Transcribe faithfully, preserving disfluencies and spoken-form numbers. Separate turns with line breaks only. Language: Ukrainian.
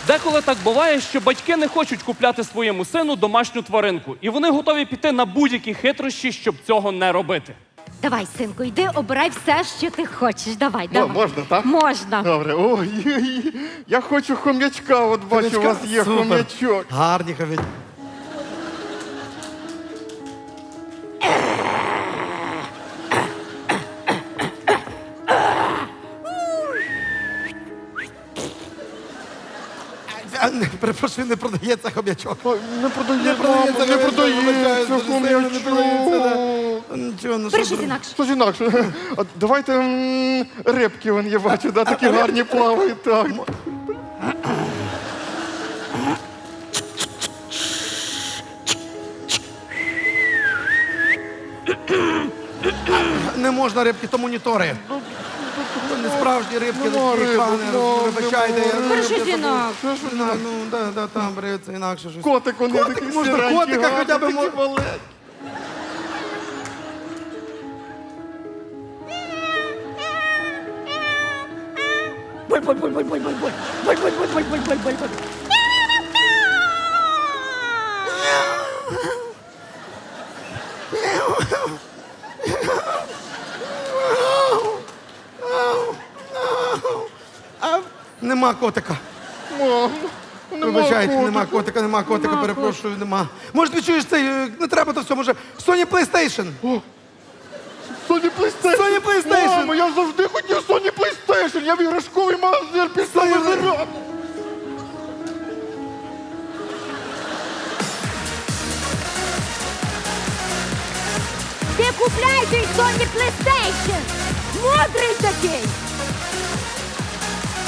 Деколи так буває, що батьки не хочуть купляти своєму сину домашню тваринку, і вони готові піти на будь-які хитрощі, щоб цього не робити.
Давай, синку, йди, обирай все, що ти хочеш. Давай,
М-
давай.
Можна, так?
Можна.
Добре. Ой, я хочу хом'ячка, от бачу, у вас є
Супер.
хом'ячок.
Гарні хом'ячки. А, не, перепрошую, не продається хом'ячок.
Ой, Не продається,
Не продається,
мамо, не
хом'ячок,
продається
вибачаю, дуже сильно не продається,
хом'ячок.
да. Нічого, ну
Бери
що
щось
зробити?
інакше.
Щось інакше. А давайте м, рибки, вон, я бачу, да, такі гарні плавають. Так.
Не можна рибки, то монітори. То не справжні рибки,
Нема
такі
рибок,
пане,
нема,
вибачайте. я-
нема
Бери щось інакше.
Що ж ви
Ну, ну, да, да, там бери це інакше щось.
Котик, вони
Котик,
такі
можна
сіренькі,
котика
гарні,
хоча б
такі
мо-
маленькі.
Нема котика.
Мам, нема
Вибачайте, нема
котика.
котика, нема котика, перепрошую, нема. Може, ти чуєш цей, е, не треба то все, може, Sony PlayStation.
Sony PlayStation.
Sony PlayStation.
Мамо, я завжди хотів Sony PlayStation. Я в іграшковий магазин пішов
Sony-
вибирати.
Ти купляй той Sony PlayStation! Мудрий такий!